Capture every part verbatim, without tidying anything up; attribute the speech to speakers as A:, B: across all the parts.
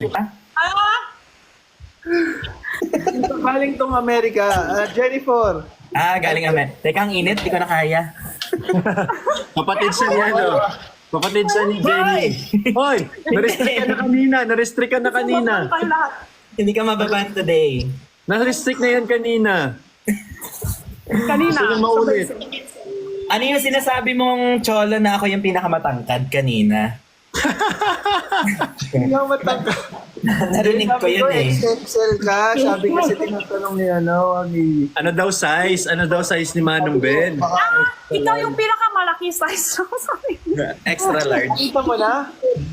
A: Ah!
B: Galing tong Amerika. Ah, Jennifer.
C: Ah, galing amen. Teka, ang init. Di ko na kaya.
D: Kapatid siya ni ano? Kapatid siya ni Jenny. Hoy! Na-restrict ka na kanina. Na-restrict ka na kanina.
A: Kayo lahat.
C: Hindi ka mababan today.
D: Na-restrict na yan kanina.
A: Kanina.
D: Gusto niya maulit.
C: Ano yung sinasabi mong cholo na ako yung pinakamatangkad kanina?
B: Hindi ako matangka.
C: Narinig ko
B: Sabi
C: yun eh.
B: X X L ka. Sabi kasi tinatanong ni ano, ni...
D: Ano daw size? Ano daw size ni Manong Ben?
A: Ah, ikaw yung pinakamalaki size ko. Sorry.
C: Extra large.
B: Kita mo na?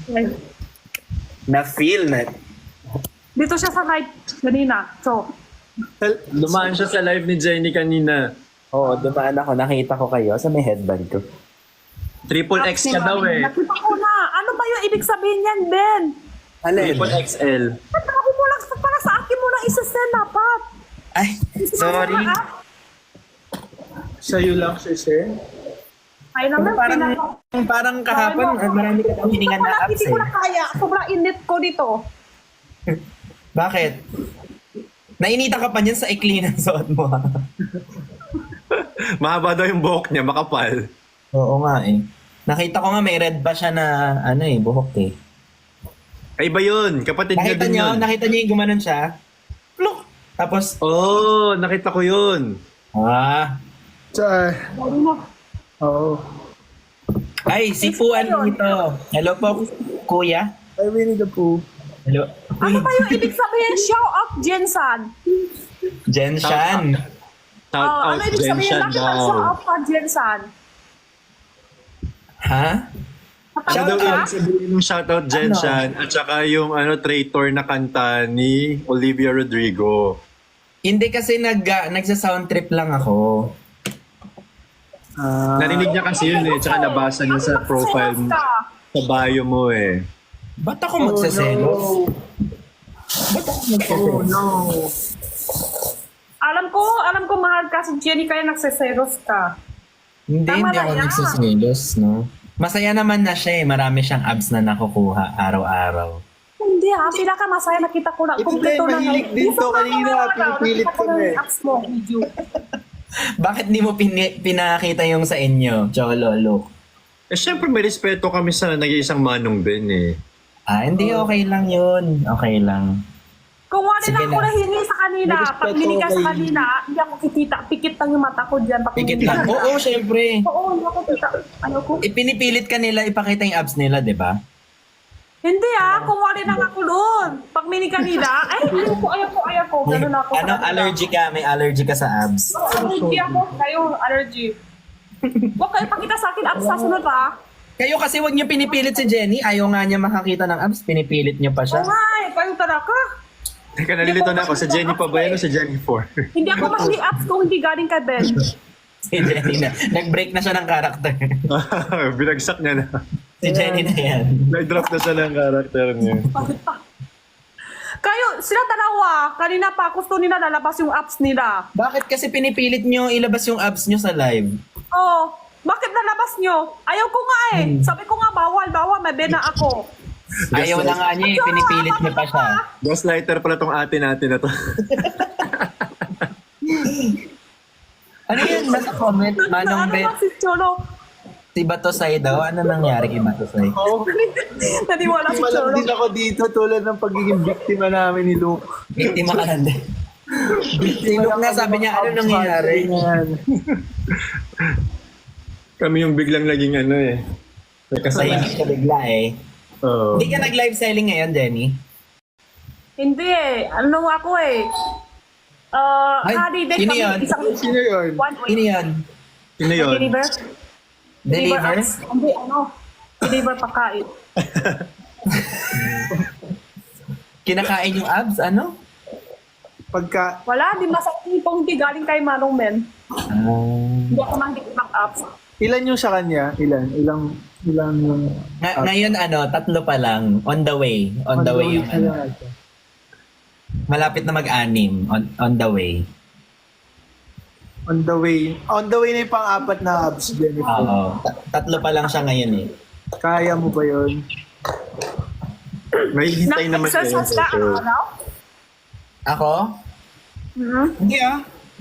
C: Na-feel na.
A: Dito siya sa live kanina. So,
D: Lumaan siya sa live ni Jenny kanina.
C: Oo, dumaan ako. Nakita ko kayo sa may headband ko.
D: Triple X ka daw eh.
A: nakita ko na. Ano ba yung ibig sabihin yan, Ben?
C: Alin?
D: Triple X L.
A: Sabi mo lang, para sa akin mo lang isa-send dapat.
C: Ay, sorry.
B: Sa'yo lang siya, Sen.
A: Ay naman,
C: Parang,
A: pinaka-
C: parang kahapon, ah, marami ka daw hiningan na
A: Wala,
C: apps
A: hindi ko
C: eh.
A: na kaya. Sobrang init ko dito.
C: Bakit? Nainita ka pa niyan sa ikli ng suot mo ha?
D: Mahaba daw yung buhok niya, makapal.
C: Oo nga eh. Nakita ko nga may red ba siya na ano eh, buhok eh.
D: Ay ba yun? Kapatid niya
C: Nakita
D: din
C: niyo,
D: yun.
C: nakita niyo yung gumanon siya? Pluk! Tapos,
D: Oh, nakita ko yun.
C: ah,
B: Sa... Oo.
C: ay, si Puan dito. Hello po, kuya.
B: Ay, Winnie the Pooh.
C: Hello.
A: Ano ba yung ibig sabihin? Show up, Jensan.
C: Jen Shan.
D: Shout
A: Oh,
D: out,
A: ano ibig
D: Jen
A: sabihin?
D: Shan
A: Bakit ang show
D: daw.
A: up pa, Jensan?
C: Ha?
D: Ano
A: Shout
D: daw
A: up?
D: ibig sabihin ng shoutout Jen
C: Ano?
D: Shan at saka yung ano, traitor na kanta ni Olivia Rodrigo.
C: Hindi kasi nag, uh, nagsa-sound trip lang ako.
B: Ah,
D: Narinig niya kasi yun eh, tsaka nabasa niya sa profile mo, sa bio mo eh.
C: Ba't ako magsaselos? Ba't ako
B: oh
C: magsaselos?
B: no.
A: Alam ko, alam ko mahal ka si Jenny kaya nagseseros ka.
C: Hindi,
A: Tama
C: hindi
A: na
C: ako
A: yan.
C: nagsaselos, no? Masaya naman na siya eh. Marami siyang abs na nakukuha araw-araw.
A: Hindi ha, pinakamasaya nakita ko na.
B: Ito
A: Kompleto
B: din,
A: na.
B: mahilig din
A: Gusto
B: to
A: ko
B: kanina,
A: na mga
B: pinipilit
A: nakita ko
B: ko
A: na
B: na
A: yung
B: eh.
A: apps mo, video.
C: Bakit di mo pini- pinakita yung sa inyo, Cholo, look?
D: Eh syempre may respeto kami sa nag-iisang Manong Ben eh.
C: Ah, hindi, okay lang yun. Okay lang.
A: Kung wala
C: Sige
A: na ako
C: na.
A: nahingi sa kanina,
B: May
A: pag
B: respeto
A: hindi ka sa
B: kay-
A: kanina, hindi ako kikita. Pikit lang yung mata ko dyan. Pag
C: Pikit
A: hindi
C: lang.
A: ka-
C: Oo, syempre.
A: Oo, hindi ako kita. Ano ko?
C: Ipinipilit ka nila ipakita yung abs nila, di ba?
A: Hindi ah, kung wala na ako doon. Pag mini kanila, ay, ayaw ko, ayaw ko, ayaw ko. Ganun ako.
C: Ano, allergy ka? May allergy ka sa abs.
A: Allergy ako. Kayo, allergy. Huwag kayo pakita sa akin, abs sa sunod ah.
C: Kayo kasi wag niyo pinipilit si Jenny. Ayaw nga niya makakita ng abs. Pinipilit niyo pa
A: Oo
C: siya.
A: nga eh, kayo talaga.
D: Teka, nalilito na ako. Sa Jenny pa ba yan o sa Jennifer?
A: Hindi ako mahilig abs kung hindi galing kay Ben.
C: Si Jenny na. Nag-break na siya ng karakter.
D: Binagsak niya na.
C: Si Jenny na yan.
D: Nag-drop na siya ng karakter niya.
A: Kayo, sila dalawa, kanina pa gusto nila lalabas yung apps nila.
C: Bakit kasi pinipilit niyo ilabas yung abs niyo sa live?
A: Oh, bakit nalabas nyo? Ayaw ko nga eh. Sabi ko nga, bawal, bawal, may bena ako.
C: Ayaw na nga niya, eh, pinipilit niyo pa siya.
D: Gaslighter pala tong ate natin na to.
C: Ano yun? Nasa comment, Manong
A: ano
C: Bet,
A: ba si Cholo?
C: si Batosay daw. Ano nangyari kay Batosay?
B: Oo.
A: Naniwala si
B: Malam
A: Cholo.
B: din ako dito tulad ng pagiging biktima namin ni Luke.
C: Biktima ka lang din. Si Luke nga sabi niya, ano nangyari?
B: Yan.
D: Kami yung biglang naging ano eh. May kasalanan.
C: Tahimik ka bigla eh.
D: Oo.
C: Hindi ka nag-live selling ngayon, Jenny?
A: Hindi eh. Ano ako eh. Uh,
C: Ay,
A: holiday
C: sino
A: kami.
C: yun?
A: Isang
B: Sino yun?
A: one
C: Sino
A: week.
C: yan?
D: Sino yun?
A: Deliver?
C: Deliver?
A: apps. Hindi, ano. Deliver pagkain.
C: Kinakain yung abs, ano?
B: Pagka,
A: Wala, di masakit kung hindi galing kay Manong Men.
C: Ah.
A: Hindi ako mahilig ng apps.
B: ilan yung sa kanya? Ilan? Ilang, ilang yung...
C: Nga- ngayon ano, tatlo pa lang. On the way. On the way yung ano. Malapit na mag-anim. On, on the way.
B: On the way. On the way na yung pang-apat na abs, Jennifer.
C: Oo. Ta- tatlo pa lang siya ngayon eh.
B: Kaya mo ba yun?
D: May hintay naman kayo
A: Nag-exercise
D: sa
A: ka
D: show.
A: araw-araw?
C: Ako?
A: Hmm?
C: Hindi ah.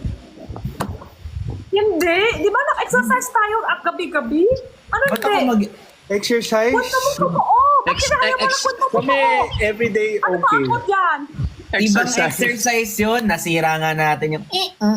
A: Hindi. Di ba nag-exercise tayo at gabi-gabi? Ano
C: Ba't ako
A: hindi?
C: mag...
B: Exercise?
A: Kwento mo totoo. Bakit
D: Ex-
A: ayaw mo na
D: ex-
A: kwento mo
B: Kami,
A: totoo?
B: everyday
A: Ano ba
B: okay.
A: ako dyan?
C: Ibang exercise yun. Nasira nga natin yung...
A: Oh,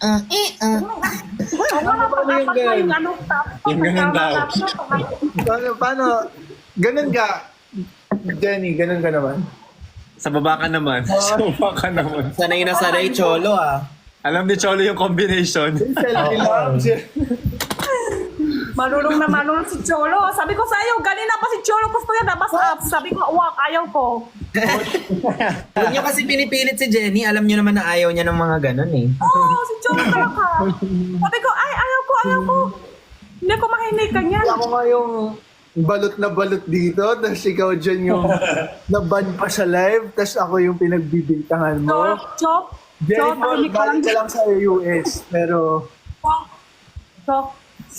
A: wala pa
B: Paano yung
A: dapat na yung
B: ganun?
A: ano. tapos
D: Yung ganun daw.
B: Paano, paano? Ganun ka? Jenny, ganun ka naman.
D: Sa baba ka naman. Sa baba ka naman.
C: Sanay na sanay, cholo ah.
D: Alam ni Cholo yung combination.
B: Selfie lang.
A: Marunong na marunong si Cholo. Sabi ko sa iyo, ganina pa si Cholo gusto yan, nabas up. Sabi ko, wag, ayaw ko.
C: Huwag niyo kasi pinipilit si Jenny. Alam niyo naman na ayaw niya ng mga ganun eh.
A: Oo, si Cholo talaga. Sabi ko, ay, ayaw ko, ayaw ko. Hindi ko makinig kanyan.
B: Ako nga yung balot na balot dito, tapos ikaw dyan yung naban pa sa live, tapos ako yung pinagbibintangan mo.
A: Chop, chop.
B: Jenny,
A: Chop, tahimik ka lang.
B: galing ka lang sa U S, pero
A: Chop.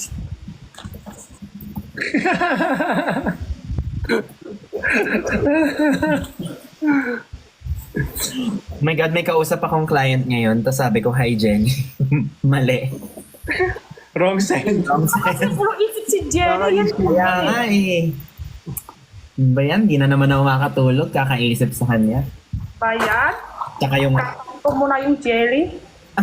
C: Oh my God, may kausap akong client ngayon. Tapos sabi ko, hi Jenny. Mali.
D: Wrong side.
C: Wrong
A: Kasi
C: side.
A: puro isip si Jerry. Yan po.
C: Kaya nga eh. Ano ba yan? Di na naman ako makatulog. Kakaisip sa kanya.
A: Bayan.
C: Tsaka yung...
A: Kakapito mo na yung Jerry.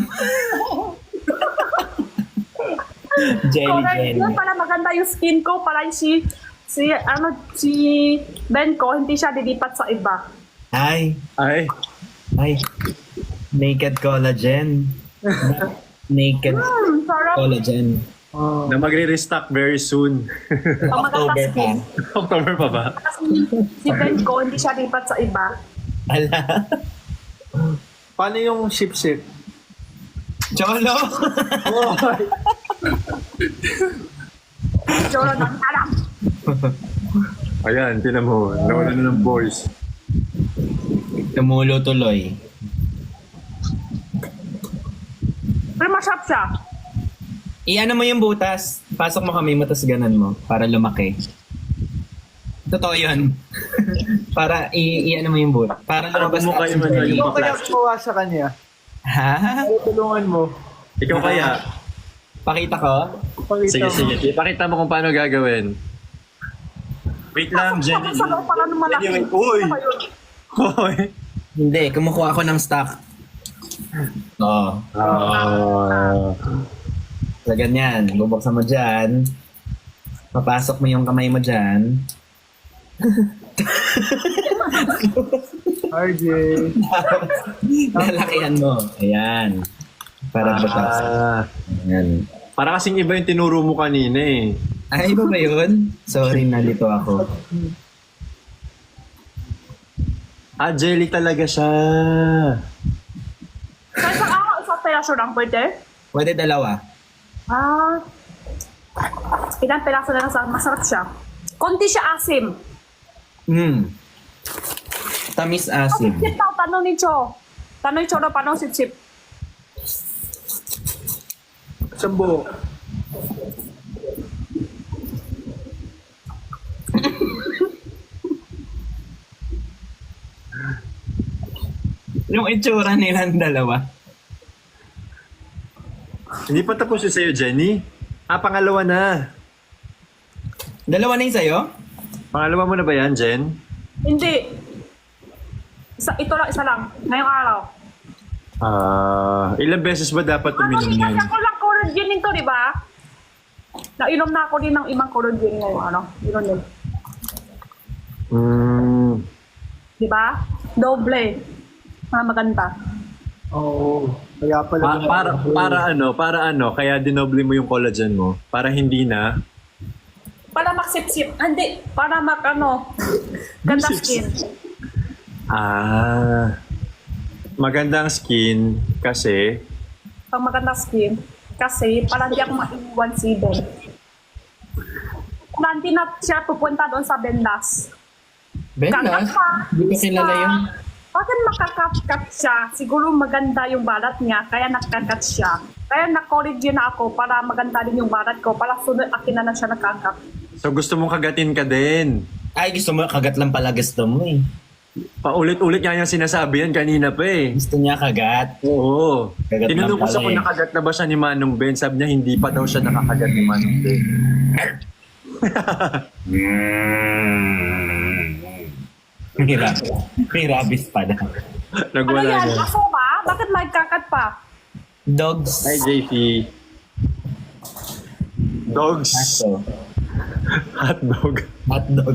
C: Jelly
A: Correct.
C: Jenny.
A: Yun, para maganda yung skin ko. Para si, si, ano, si Ben ko, hindi siya dilipat sa iba.
C: Ay.
D: Ay.
C: Ay. Naked collagen. Naked
A: Hmm, sarap.
C: collagen.
B: oh,
D: Na magre-restock very soon.
A: Ang maganda
C: October pa.
A: skin.
D: October pa ba?
A: Kasi si Ben ko, hindi siya dilipat sa iba.
C: Ala.
B: paano yung sip-sip?
C: Cholo.
A: Cholo na, alam.
D: Ayan, tinan mo. Nawala na ng boys.
C: Tumulo tuloy.
A: Pero masarap siya.
C: I-ano mo yung butas. Pasok mo kami mo, tapos ganan mo. Para lumaki. Totoo yun. para i- i-ano mo yung butas. Para
D: Para
C: lumabas
D: bumukha yung ano,
C: oxygen.
D: yung
B: Ikaw kaya
D: plastic.
B: kumuha sa kanya.
C: Ha?
B: Para tulungan mo.
D: Ikaw kaya?
C: Pakita ko?
B: Pakita
D: Sige,
B: mo.
D: sige. Ipakita mo kung paano gagawin. Wait lang, Jenny.
A: Sa loob pala ng malaki.
D: Jenny, wait. Uy!
A: Ano ba yun?
D: Hoy!
C: Hindi, kumukuha ako ng stock. Oo.
D: Ah.
C: So, ganyan. Bubuksan mo dyan. Papasok mo yung kamay mo dyan.
B: R J.
C: Lalakihan mo. Ayan. Para butas.
D: Ah.
C: Ayan.
D: Para kasing iba yung tinuro mo kanina eh.
C: Ay, iba ba yun? Sorry, nalito ako.
D: Ah, jelly talaga siya.
A: Sa isang araw, isang peraso lang pwede.
C: Pwede dalawa.
A: Ah. Ilang peraso na lang sa masarap siya. Konti siya asim.
C: Hmm. Tamis asim.
A: Sip-sip daw, tanong ni Cho. Tanong ni Cho na paano sip-sip.
B: Sambo.
C: Yung itsura nilang dalawa.
D: Hindi pa tapos yung sa'yo, Jenny. Ah, pangalawa na.
C: Dalawa na yung sa'yo?
D: Pangalawa mo na ba yan, Jen?
A: Hindi. Isa, ito lang, isa lang. Ngayong araw.
D: Ah, ilang beses ba dapat
A: Ano,
D: uminom
A: kasi
D: yan?
A: ako lang collagen nito, di ba? Nainom na ako din ng ibang collagen ngayong ano. Yun din.
D: Hmm.
A: Di ba? Doble. Ah, maganda.
B: Oo. Kaya pala.
D: Pa- para, para ano, para ano, kaya dinoble mo yung collagen mo. Para hindi na.
A: Para maksip-sip. Ah, Hindi. Para mak, ano, ganda skin.
D: Ah. Magandang skin kasi
A: Pag maganda skin. Kasi, para hindi ako maiwan si Ben. Kung hindi na siya pupunta doon sa Bendas.
C: Bendas? Hindi ko kilala yun.
A: Bakit makakat-cut siya? Siguro maganda yung balat niya, kaya nakakat siya. Kaya na-collagen na ako para maganda din yung balat ko. Para sunod akin na lang siya nakakat.
D: so gusto mong kagatin ka din.
C: Ay, gusto mo, kagat lang pala gusto mo eh.
D: Paulit-ulit nga yung sinasabi yan kanina pa eh.
C: Gusto niya kagat.
D: Oo.
C: Kagat
D: Tinanong
C: lang
D: ko
C: pala
D: sa kung
C: eh.
D: nakagat na ba siya ni Manong Ben. Sabi niya hindi pa daw siya nakakagat ni Manong Ben.
C: May, rab- may rabies pa na.
A: Ano
D: Nagwala
A: yan?
D: niya.
A: Aso ba? Bakit may kakat pa?
C: Dogs.
D: Hi, J P. Dogs.
C: Aso.
D: Hot dog.
C: Hot dog.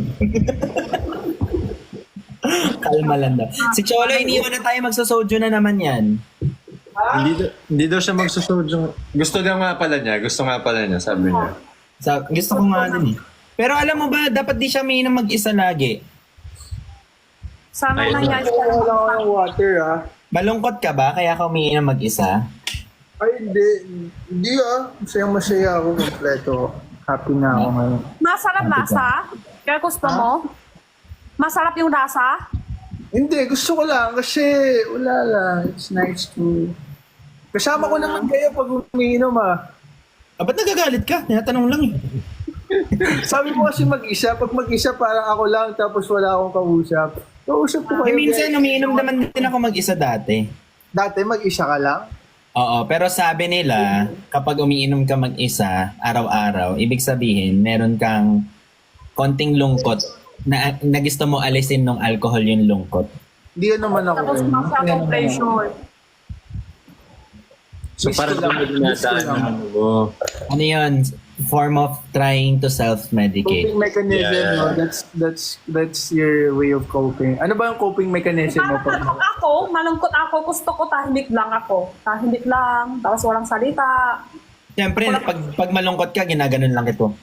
C: Kalma lang daw. Si Cholo, iniwan na tayo magsasojo na naman yan.
D: Hindi, daw- hindi daw siya magsusojo. Gusto daw nga pala niya. Gusto nga pala niya, sabi niya.
C: Sa, gusto ko nga din eh. Pero alam mo ba, dapat di siya umiinom mag-isa lagi.
A: Sana
D: Ay,
A: na yan.
B: Wala akong water ah.
C: Malungkot ka ba kaya ka umiinom mag-isa?
B: Ay, hindi. Hindi ah. Masayang masaya ako kompleto. Happy na ako ngayon.
A: Masarap lasa? Kaya gusto mo? Masarap yung lasa?
B: Hindi, gusto ko lang kasi wala lang. It's nice to... Kasama ko naman kayo pag umiinom ah.
C: Ah, ba't nagagalit ka? Tinatanong lang eh.
B: Sabi mo kasi mag-isa. Pag mag-isa parang ako lang tapos wala akong kausap. Kausap ko
C: Eh,
B: kayo.
C: minsan
B: guys.
C: umiinom naman din ako mag-isa dati.
B: Dati mag-isa ka lang?
C: Oo, pero sabi nila, kapag umiinom ka mag-isa, araw-araw, ibig sabihin, meron kang konting lungkot na, na gusto mo alisin ng alcohol yung lungkot.
B: Hindi naman ako.
A: Tapos
B: eh.
A: masyadong pressure.
D: So
B: Miss
D: parang
B: ko lang.
D: hindi
B: Miss ko
D: dinadaan
B: lang.
D: ng ano mo.
C: Ano yun? Form of trying to self-medicate.
B: Coping mechanism,
D: Yeah.
B: no? That's that's that's your way of coping. Ano ba yung coping mechanism mo?
A: Parang
B: Pag...
A: ako, malungkot ako, gusto ko tahimik lang ako. Tahimik lang, tapos walang salita.
C: Siyempre, pag, pag malungkot ka, ginaganon lang ito.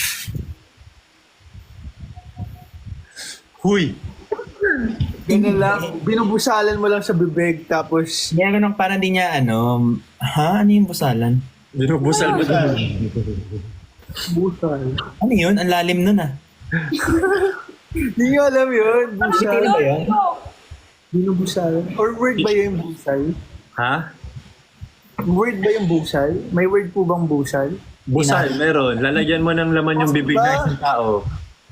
D: Huy!
B: Ganun lang, binubusalan mo lang sa bibig, tapos
C: Ginaganon parang di niya, ano, ha? Ano yung busalan?
D: Binubusal mo doon.
B: busal.
C: Ano yun? Ang lalim nun ah.
B: Hindi nyo alam yun, busal.
C: Ano ba yun?
B: Binubusalan. Or word ba yung busal?
D: Ha?
B: Word ba yung busal? May word po bang busal?
D: Busal, meron. Lalagyan mo ng laman yung bibig ng isang tao.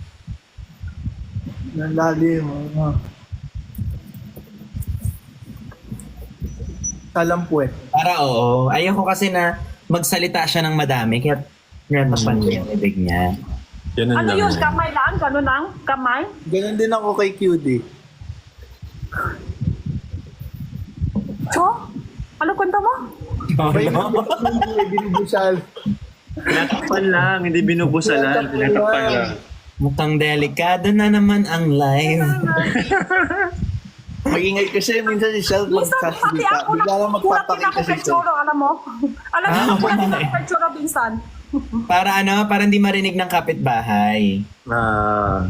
B: Ang lalim. Ano. Talampuet.
C: Para oo. Ayoko kasi na magsalita siya ng madami, kaya natapan niya yung ibig niya.
D: Ganun
A: Ano
D: lang.
A: yun? Kamay lang? Ganun lang? Kamay?
B: Ganun din ako kay Q D.
A: Cho? Ano kwento mo?
B: May may binubusal.
D: Tinatakpan lang, hindi binubusalan. Tinatakpan lang.
C: Mukhang delikado na naman ang live.
B: Mag-ingay kasi minsan si Shell
A: Minsan pati
B: magsasalita.
A: ako
B: Bigla lang
A: na
B: magpapakita
A: ako
B: si
A: kay
B: Shell.
A: Choro, alam mo? Alam mo,
C: Ah,
A: kulat
C: wala
A: ako kay Choro minsan.
C: Para ano, para hindi marinig ng kapitbahay.
D: Ah.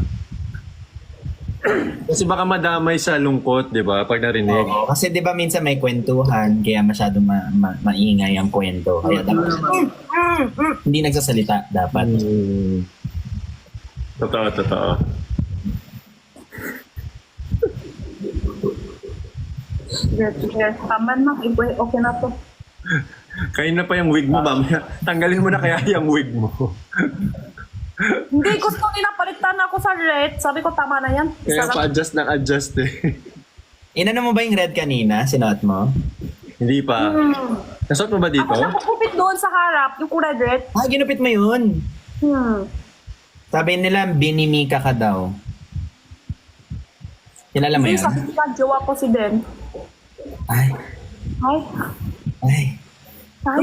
D: Kasi baka madamay sa lungkot, di ba? Pag narinig.
C: Oo. Kasi di ba minsan may kwentuhan, kaya masyado ma- ma- maingay ang kwento. Kaya dapat, hindi nagsasalita dapat.
D: Hmm. Totoo, totoo.
A: Sige, sige. Tama na. Iba- Okay na to.
D: Kayo na pa yung wig mo, mamaya. Tanggalin mo na kaya yung wig mo.
A: Hindi, gusto nila palitan ako sa red. Sabi ko, tama na yan.
D: Kaya
A: Sarap.
D: pa-adjust ng adjust eh.
C: Inano mo ba yung red kanina? Sinuot mo?
D: Hindi pa.
A: Hmm.
D: Nasot mo ba dito?
A: Ako nakukupit doon sa harap, yung kulay red.
C: Ah, ginupit mo yun.
A: Hmm.
C: Sabi nila, binimika ka daw. Kilala mo
A: Hindi,
C: yun?
A: sabi nila, jowa ko si Ben.
C: Ay,
A: Ay,
C: ay.
A: ay.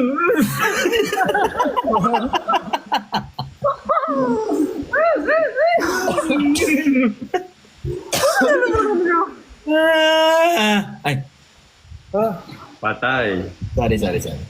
C: Ah! Ay,
B: Ah,
D: Patay.
C: sorry, sorry, sorry.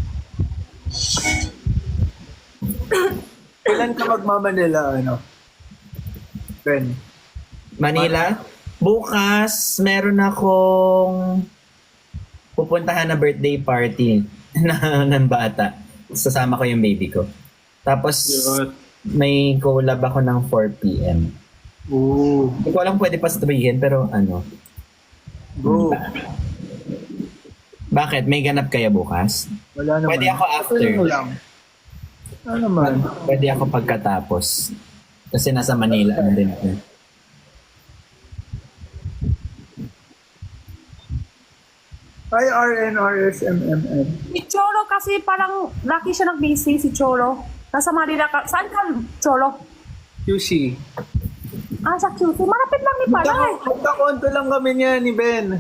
B: kailan ka magmamanila, ano? Ben.
C: Manila? Bukas, meron akong pupuntahan na birthday party na, ng bata. Sasama ko yung baby ko. Tapos,
D: Cute.
C: may collab ako ng four p.m.
B: Oo.
C: Hindi ko alam pwede pa sabihin, pero ano.
B: Go.
C: Bakit? May ganap kaya bukas?
B: Wala naman.
C: Pwede ako after.
B: Ano lang. Ano naman?
C: Pwede ako pagkatapos. Kasi nasa Manila ano din ako.
B: I R N R S M M N.
A: Si Cholo kasi parang laki siya nag-busy, si Cholo. Nasa Manila ka. Saan ka, Cholo?
B: Q C.
A: Ah, sa Q C. Malapit lang ni Palay.
B: Magkakonto lang kami niya ni Ben.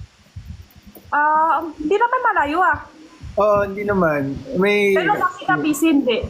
A: Ah, hindi naman malayo ah.
B: Oo, hindi naman. May...
A: Pero laki ka busy, hindi.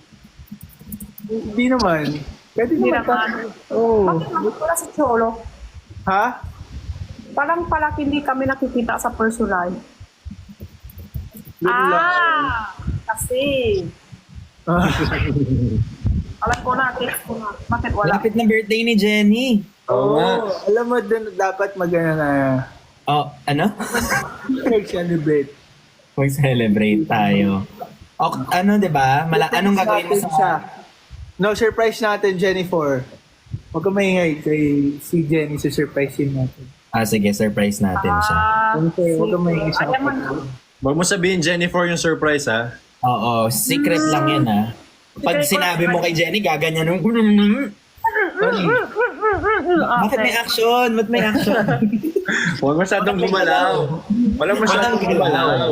B: Hindi naman. Pwede
A: Hindi
B: naman.
A: naman.
B: Oo.
A: Bakit naman wala si Cholo?
B: Ha?
A: Parang palaki hindi kami nakikita sa personal.
B: Yun lang.
A: Ah, kasi.
B: Ah.
A: Alam ko na, text ko na. Bakit wala?
C: Malapit na birthday ni Jenny.
D: Oo nga.
B: Alam mo, dun, dapat magana na
C: Oh, ano?
B: nag-celebrate.
C: Mag-celebrate tayo. O, ano, di ba? Mala- anong gagawin mo
B: Natin
C: sa...
B: siya. No, surprise natin, Jennifer. Huwag ka maingay kay si Jenny, so surprisein natin.
C: Ah, sige, surprise natin siya.
A: Ah,
B: Okay, huwag ka maingay sa
A: alam mo na.
D: Huwag mo sabihin, Jennifer, yung surprise, ha?
C: Oo, secret lang yan ah. Pag sinabi mo kay Jenny, gaganyan nung... Bakit may action? Ba't may action?
D: Huwag masyadong gumalaw. Walang masyadong gumalaw.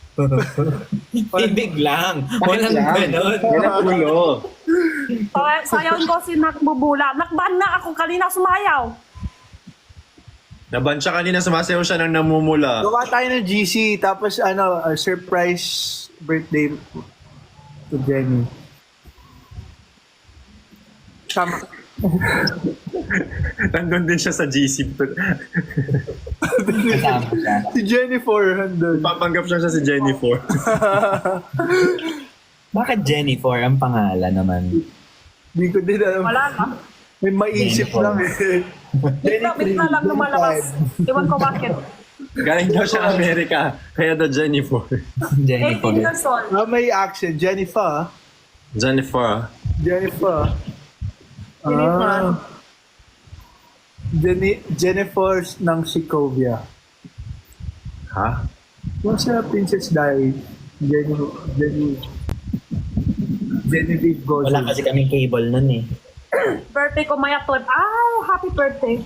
C: Ibig lang. Walang ganon.
D: Walang ulo.
A: Okay, sayawin ko si Nakbubula. Nakban na ako kanina sumayaw.
D: Naban siya kanina, sumasayaw siya ng namumula.
B: Gawa tayo ng G C, tapos ano, uh, surprise birthday to Jenny. Tama.
D: Nandun din siya sa G C.
C: Kasama siya.
B: Si Jennifer, handun.
D: Papanggap siya siya si Jennifer.
C: Bakit Jennifer ang pangalan naman?
B: Hindi ko din alam.
A: Wala na.
B: May maisip
C: Jennifer.
B: lang eh.
A: Bigla, bigla lang lumalabas. Iwan ko bakit.
D: Galing daw siya Amerika, kaya daw Jennifer.
C: Jennifer.
A: eighteen years old.
B: Ah, may accent. Jennifer.
D: Jennifer.
B: Jennifer.
A: Jennifer.
B: Ah. Jenny, Jennifer ng Sokovia.
D: Ha?
B: Yung sa Princess Diaries. Jenny, Jenny, Genevieve Gozzi.
C: Wala kasi kaming cable nun eh.
A: Birthday ko maya twelve. Ah, happy birthday.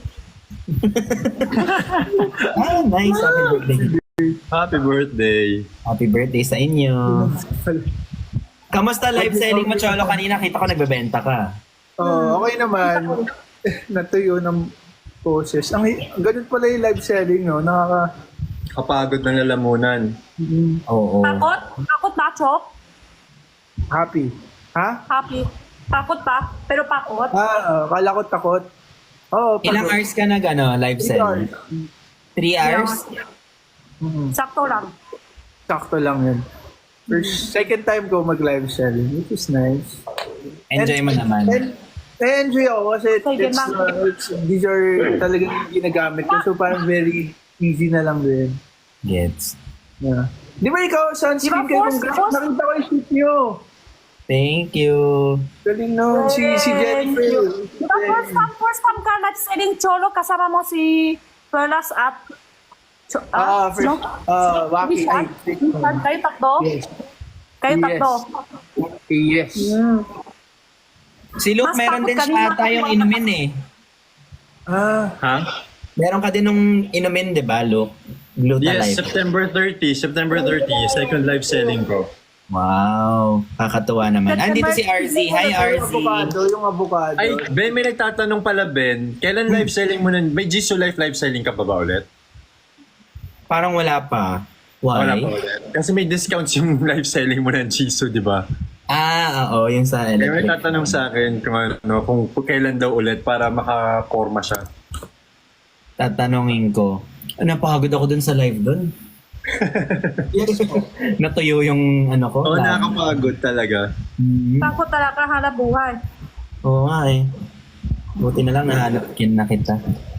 C: Ah, nice. Happy birthday.
D: Happy birthday.
C: Happy birthday sa inyo. Kamusta live selling mo, Cholo? Kanina kita ko nagbebenta ka.
B: Oh, okay naman. Natuyo ng process. Ang ganun pala yung live selling, no? Nakaka...
D: Kapagod ng lalamunan.
B: mm,
C: Oo.
A: Takot? Takot ba, Chok?
B: happy. Ha?
A: Happy. Takot ba? Pero pakot?
B: Ah, uh, kala ko takot. Oo, oh,
C: Ilang hours ka nag ano, live selling? Three hours?
B: Mm,
A: Sakto lang.
B: sakto lang yun. First, second time ko mag-live selling, which is nice.
C: Enjoy mo naman.
B: And, na-enjoy ako kasi
A: Sige,
B: it's,
A: ma'am.
B: uh, it's, these are talagang ginagamit ko. So parang very easy na lang din.
C: Gets.
B: Yeah. Di ba ikaw, sunscreen
A: Di ba,
B: kayo?
A: force-
B: Kung
A: force-
B: nakita ko yung shoot nyo.
C: Thank you.
B: Galing nun. Si, si
A: Thank
B: Jennifer.
A: you. Diba first time, first time ka live selling, Cholo, kasama mo si Perlas at... Cho-
B: Ah, first,
A: sino?
B: ah, Waki.
A: Richard?
B: Ay,
A: Richard, kayo tatlo?
B: Yes.
A: Kayo
B: Yes.
A: tatlo?
B: Okay, yes.
A: Hmm.
C: Si Luke,
A: Mas
C: meron
A: takot
C: din
A: kanina
C: siya ata
A: ako
C: yung
A: mga-
C: inumin eh.
B: Ah,
D: Ha?
C: Meron ka din nung inumin, di ba, Luke? Gluta
D: Yes,
C: Life.
D: September thirtieth. September thirtieth, second live selling ko.
C: Wow. Kakatuwa naman. Ah, dito si R Z. Hi, R
B: yung
C: Z.
B: avocado, yung avocado.
D: Ay, Ben, may nagtatanong pala, Ben. Kailan live selling mo nun? May Jisoo Life live selling ka pa ba ulit?
C: Parang wala pa. Why?
D: Wala pa ulit. Kasi may discounts yung live selling mo ng Jisoo, di ba?
C: Ah, oo. Yung sa
D: Kaya may
C: electric.
D: tatanong sa akin kung, ano, kung, kung kailan daw ulit para makakorma siya.
C: Tatanungin ko. Ah, napagod ako dun sa live dun.
B: Yes po.
C: Natuyo yung ano ko.
D: Oo, oh,
C: lang.
D: nakakapagod talaga.
C: Mhm.
A: Takot talaga hanap buhay.
C: Oo nga eh. Buti na lang nahanap kin na kita.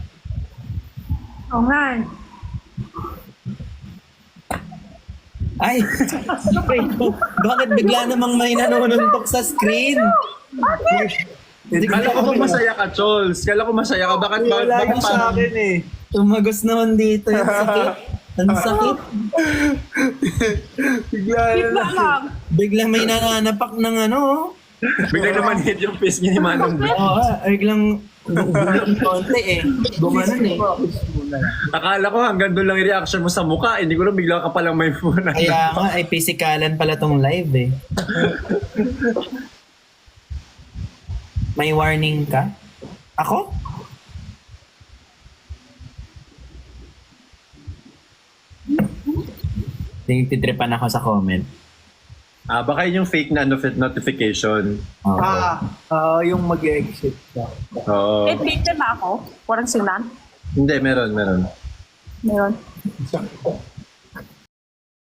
A: Oo nga eh.
C: Ay! Bakit bigla namang may nanununtok sa screen?
D: Kala ko ba masaya ka, Chols? Kala ko masaya ka. Bakit, bakit,
B: Wala
D: bakit
B: yung sa akin eh.
C: Tumagos naman dito yung sakit. Ang sakit.
B: Bigla na
A: Bigla
B: lang.
A: lang.
C: Bigla may nananapak ng ano.
D: Biglang naman hit yung face niya ni Manong B.
C: Oo, ah, biglang gulong konti eh. Gumanon eh.
D: Akala ko hanggang doon lang yung reaction mo sa mukha. Hindi ko lang bigla ka palang may phone.
C: Kaya nga, ay pisikalan pala tong live eh. May warning ka? Ako? Tinititripan ako sa comment.
D: Ah, baka yun yung fake na notif- notification.
C: Oo.
B: Ah, ah, yung mag-exit ka.
D: Oo.
A: Eh, victim ako. Walang sinan.
D: Hindi, meron, meron.
A: Meron.